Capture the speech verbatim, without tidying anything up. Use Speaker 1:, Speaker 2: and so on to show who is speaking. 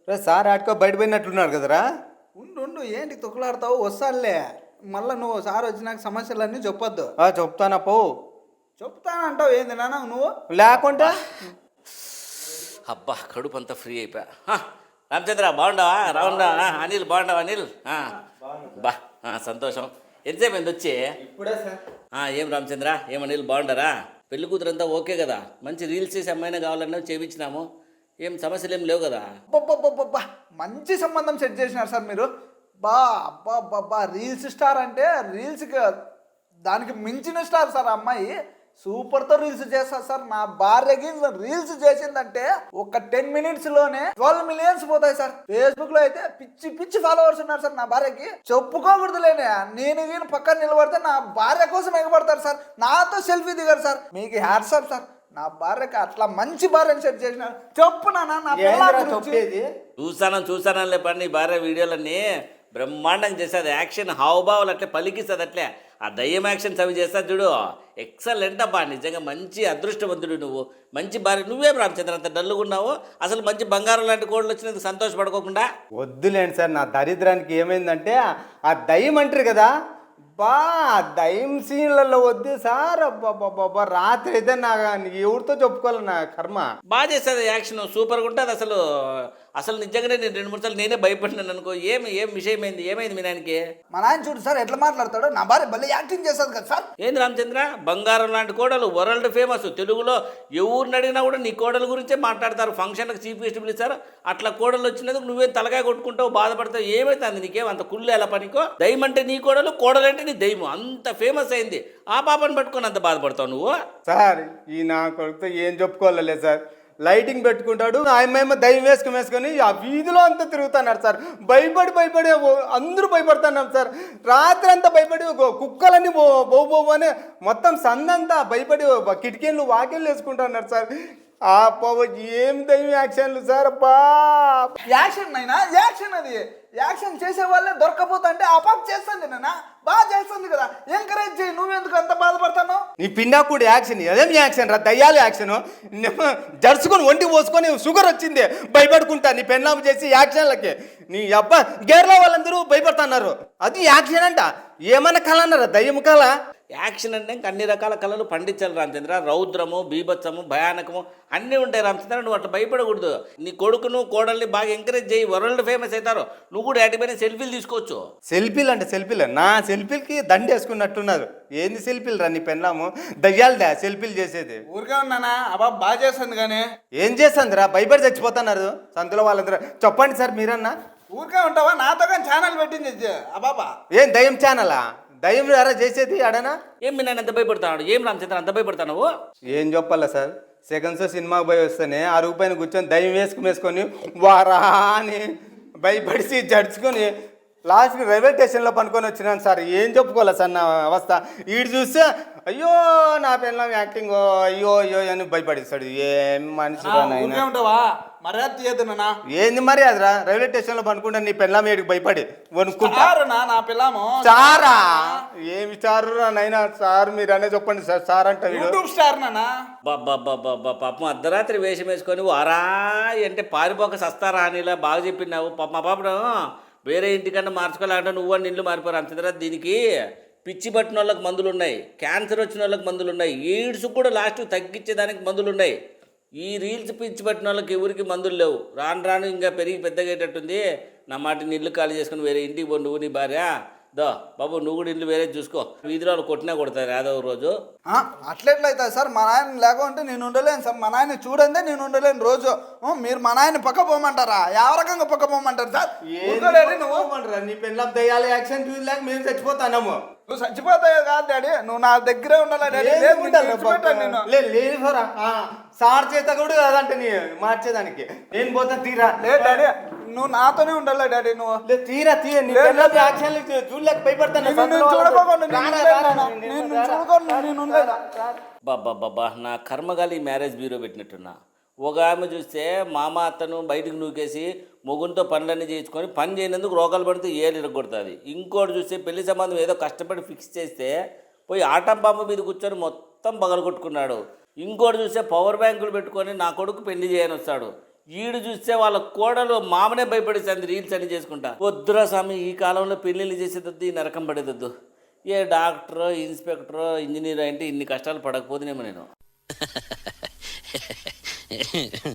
Speaker 1: రే sir ఆడుకో బయట పోయినట్లున్నాడు కదరా.
Speaker 2: ఉండు ఉండు ఏంటి తొక్కులాడతావు వస్తానులే. మళ్ళీ నువ్వు సార్ వచ్చినాక సమస్యలన్నీ చెప్పొద్దు.
Speaker 1: ఆ, చెప్తానా పో.
Speaker 2: చెప్తానంటావు ఏంది నాన్న నువ్వు
Speaker 1: లేకుంటే
Speaker 3: అబ్బా కడుపు అంతా ఫ్రీ అయిపోయా. హ, రామచంద్ర బాగుండవా? రావుండవా? అనిల్ బాగుండవా? అనిల్ ఆ, బా ఆ, సంతోషం. ఎంతసేపు అయింది వచ్చి?
Speaker 1: ఇప్పుడే సార్.
Speaker 3: ఆ, ఏం రామచంద్ర, ఏం అనిల్ బాగుండరా? పెళ్లి కూతురు అంతా ఓకే కదా? మంచి రీల్స్ చేసి అమ్మాయినా కావాలన్నా చేయించినాము. ఏం సమస్యలు ఏం లేవు కదా?
Speaker 2: అబ్బబ్బబ్బబ్బా మంచి సంబంధం సెట్ చేసినారు సార్ మీరు. బా అబ్బా అబ్బా రీల్స్ స్టార్ అంటే రీల్స్కి దానికి మించిన స్టార్ సార్ ఆ అమ్మాయి. సూపర్తో రీల్స్ చేస్తారు సార్. నా భార్యకి రీల్స్ చేసిందంటే ఒక టెన్ మినిట్స్ లోనే ట్వెల్వ్ మిలియన్స్ పోతాయి సార్. ఫేస్బుక్ లో అయితే పిచ్చి పిచ్చి ఫాలోవర్స్ ఉన్నారు సార్ నా భార్యకి. చెప్పుకోకూడదులేనే, నేను వీళ్ళు పక్కన నిలబడితే నా భార్య కోసం ఎగబడతారు సార్. నాతో సెల్ఫీ దిగారు సార్. మీకు హ్యాట్సాప్ సార్. నా భార్యకి అట్లా మంచి భార్యను సెట్ చేసినారు. చెప్పు నాన్న నా పిల్లల గురించి.
Speaker 1: చెప్పేది
Speaker 3: చూసాను చూసాను లేపండి నీ భార్య వీడియోలన్నీ బ్రహ్మాండంగా చేస్తుంది. యాక్షన్ హావభావాలు అట్లే పలికిస్తుంది. అట్లే ఆ దయ్యం యాక్షన్స్ అవి చేస్తా చూడు, ఎక్సలెంట్ అబ్బా. నిజంగా మంచి అదృష్టవంతుడు నువ్వు. మంచి భార్య. నువ్వేం రామచంద్ర అంత డల్లుగా ఉన్నావు? అసలు మంచి బంగారం లాంటి కోళ్ళు వచ్చినందుకు సంతోషపడుకోకుండా?
Speaker 1: వద్దులేండి సార్. నా దరిద్రానికి ఏమైందంటే ఆ దయ్యం అంటారు కదా, బా దయ్యం సీన్లలో వద్దు సార్. అబ్బాబ్బాబ్బా రాత్రి అయితే నా ఎవరితో చెప్పుకోవాలి నా కర్మ.
Speaker 3: బాగా చేస్తుంది యాక్షన్, సూపర్గా ఉంటుంది అసలు. అసలు నిజంగానే నేను రెండు మూడు సార్లు నేనే భయపడినాను అనుకో. ఏమి ఏం విషయం అయింది? ఏమైంది మీ నాయనకి?
Speaker 2: మా నాయన చూడు సార్ ఎట్లా మాట్లాడతాడు. నా భార్య భలే యాక్టింగ్ చేస్తుంది కదా సార్.
Speaker 3: ఏంది రామచంద్ర, బంగారం లాంటి కోడలు, వరల్డ్ ఫేమస్. తెలుగులో ఎవరిని అడిగినా కూడా నీ కోడల గురించే మాట్లాడతారు. ఫంక్షన్లకు చీఫ్ గెస్ట్ పిలుస్తారు. అట్లా కోడలు వచ్చినందుకు నువ్వేం తలకాయ కొట్టుకుంటావు, బాధపడతావు. ఏమైతుంది నీకేం అంత కుళ్ళు ఎలా పనికో? దయ్యం అంటే నీ కోడలు, కోడలు అంటే నీ దయ్యం. అంత ఫేమస్ అయింది. ఆ పాపను పట్టుకొని అంత బాధపడతావు నువ్వు?
Speaker 1: సార్ ఈ నా కొడుకుతో ఏం చెప్పుకోవాలలే సార్. లైటింగ్ పెట్టుకుంటాడు, ఆయమేమో దయ్యం వేసుకుని వేసుకొని ఆ వీధిలో అంతా తిరుగుతున్నారు సార్. భయపడి భయపడి అందరూ భయపడుతున్నాం సార్. రాత్రి అంతా భయపడి కుక్కలన్నీ బో బో బో అని మొత్తం సందంతా భయపడి కిటికీలు వాకిళ్ళు వేసుకుంటున్నారు సార్. ఆ బాబు ఏం దయ్యం యాక్షన్లు సార్. అబ్బా
Speaker 2: యాక్షన్ అయినా యాక్షన్ అది. యాక్షన్ చేసే వాళ్ళే దొరకపోతా అంటే ఆ పాప చేస్తుంది నాన్న, బాగా చేస్తుంది కదా. ఎంకరేజ్ చేయి. నువ్వెందుకు అంత బాధపడతావు?
Speaker 1: నీ పిండాకుడు యాక్షన్ అదేం యాక్షన్ రా, దయ్యాలు యాక్షన్. జరుచుకొని ఒంటికి పోసుకొని షుగర్ వచ్చింది భయపడుకుంటా నీ పెళ్ళాము చేసి యాక్షన్లకి. నీ అబ్బా గేర్లో వాళ్ళందరూ భయపడుతున్నారు. అది యాక్షన్ అంట. ఏమన్నా కళ అన్నారా? దయ్యం కళ.
Speaker 3: యాక్షన్ అంటే ఇంకా అన్ని రకాల కళలు పండించాలి రామచంద్ర. రౌద్రము, బీభత్సము, భయానకము అన్నీ ఉంటాయి రామచంద్ర. నువ్వు అట్లా భయపడకూడదు. నీ కొడుకును కోడల్ని బాగా ఎంకరేజ్ చేయి. వరల్డ్ ఫేమస్ అవుతారు. నువ్వు కూడా యాటిపైన సెల్ఫీలు తీసుకోవచ్చు.
Speaker 1: సెల్ఫీలు అంటే సెల్ఫీలు నా సెల్ఫీలకి దండ వేసుకున్నట్టున్నారు. ఏంది సెల్ఫీలు రా నీ పెళ్ళాము? దయ్యాలదా సెల్ఫీలు చేసేది?
Speaker 2: ఊరిగా ఉన్నానా? అబ్బా బాగా చేస్తుంది కానీ
Speaker 1: ఏం చేస్తుందిరా? భయపడి చచ్చిపోతున్నారు సంతలో వాళ్ళందరూ. చెప్పండి సార్ మీరన్నా.
Speaker 2: ఊరికే ఉంటావా? నాతో కానీ ఛానల్ పెట్టింది అబాబా.
Speaker 1: ఏం దయ్యం ఛానలా? దయ్యం ఎరా చేసేది అడనా?
Speaker 3: ఏం మీ నాన్న ఎంత భయపడతాడు? ఏం రామచంద్ర అంత భయపడతావు నువ్వు?
Speaker 1: ఏం చెప్పాలా సార్, సెకండ్ షో సినిమాకి పోయి వస్తేనే అరుగు పైన కూర్చొని దయ్యం వేసుకుని వేసుకొని వారా అని భయపడిసి జడుచుకొని లాస్ట్కి రైల్వే స్టేషన్లో పనుకొని వచ్చినాను సార్. ఏం చెప్పుకోవాలి సార్ నా అవస్థ. ఈడు చూస్తే అయ్యో నా పిల్లలు యాక్టింగ్ అయ్యో అయ్యో అని భయపడిస్తాడు. ఏం మనిషి
Speaker 2: ఊరికే ఉంటావా? మర్యాద తీయద్దు నాన్న.
Speaker 1: ఏంది మరి అదిరా? రైల్వే స్టేషన్లో పనుకుంటా నీ పిల్లం ఏడికి భయపడి వణుకుంటా.
Speaker 2: నా పిల్లము
Speaker 1: సారా? ఏమి సారు నైనా సార్ మీరు అనే చెప్పండి సార్. సార్ అంటే
Speaker 2: యూట్యూబ్ స్టార్ నానా.
Speaker 3: బాబా పాపం అర్ధరాత్రి వేషం వేసుకొని వారా అంటే పారిపోక సస్తారా అని ఇలా బాగా చెప్పినావు. పాప మా పాపను వేరే ఇంటికన్నా మార్చుకోవాలంటే నువ్వు అని ఇల్లు మారిపోరు రామచంద్ర. దీనికి పిచ్చి పట్టిన వాళ్ళకి మందులు ఉన్నాయి, క్యాన్సర్ వచ్చిన వాళ్ళకి మందులు ఉన్నాయి, ఎయిడ్స్ కూడా లాస్ట్ తగ్గించేదానికి మందులు ఉన్నాయి. ఈ రీల్స్ పిచ్చి పట్టిన వాళ్ళకి ఎవరికి మందులు లేవు. రాను రాను ఇంకా పెరిగి పెద్దగేటట్టుంది. నా మాట ఇల్లు ఖాళీ చేసుకుని వేరే ఇంటికి పో నువ్వు నీ భార్య. దో బాబు నువ్వు కూడా ఇల్లు వేరే చూసుకో. వీధిలో వాళ్ళు కొట్టినా కొడతారు ఏదో రోజు.
Speaker 2: అట్లెట్లయితుంది సార్? మా నాయన లేకుంటే నేను ఉండలేను సార్. మా నాయన చూడండి నేను ఉండలేను రోజు. మీరు మా నాయన పక్క పోమంటారా? ಯಾವ రకంగా పక్క పోమంటారు సార్?
Speaker 1: నువ్వు నీ పిల్లం దయ్యాల యాక్షన్ చూడలేక మేము చచ్చిపోతాము.
Speaker 2: నువ్వు చచ్చిపోతావు కాదు డాడీ, నువ్వు నా దగ్గరే ఉండాలి డాడీ.
Speaker 1: లేదు సార్ చేత కూడా కాదంటే నీ మార్చేదానికి నేను పోతా. తీరా
Speaker 2: లేదు డాడీ, నువ్వు నాతోనే ఉండాలి డాడీ. నువ్వు
Speaker 1: తీరా తీయ చూడలేక భయపడతాను.
Speaker 3: బాబా బాబా నా కర్మగాలి మ్యారేజ్ బ్యూరో పెట్టినట్టున్నా. ఒక ఆమె చూస్తే మామ అత్తను బయటకు నూకేసి మొగుంతో పనులన్నీ చేయించుకొని పని చేయనందుకు రోగాలు పడితే ఏళ్ళు ఇరగొడుతుంది. ఇంకోటి చూస్తే పెళ్లి సంబంధం ఏదో కష్టపడి ఫిక్స్ చేస్తే పోయి ఆటం బాంబు మీద కూర్చొని మొత్తం పగలగొట్టుకున్నాడు. ఇంకోటి చూస్తే పవర్ బ్యాంకులు పెట్టుకొని నా కొడుకు పెళ్లి చేయని వస్తాడు. ఈడు చూస్తే వాళ్ళ కోడలు మామనే భయపడేసింది రీల్స్ అని చేసుకుంటా. వద్దురా స్వామి, ఈ కాలంలో పెళ్ళిళ్ళు చేసేదొద్దు, ఈ నరకం పడేదొద్దు. ఏ డాక్టరో ఇన్స్పెక్టరో ఇంజనీర్ అంటే ఇన్ని కష్టాలు పడకపోతేనేమో నేను.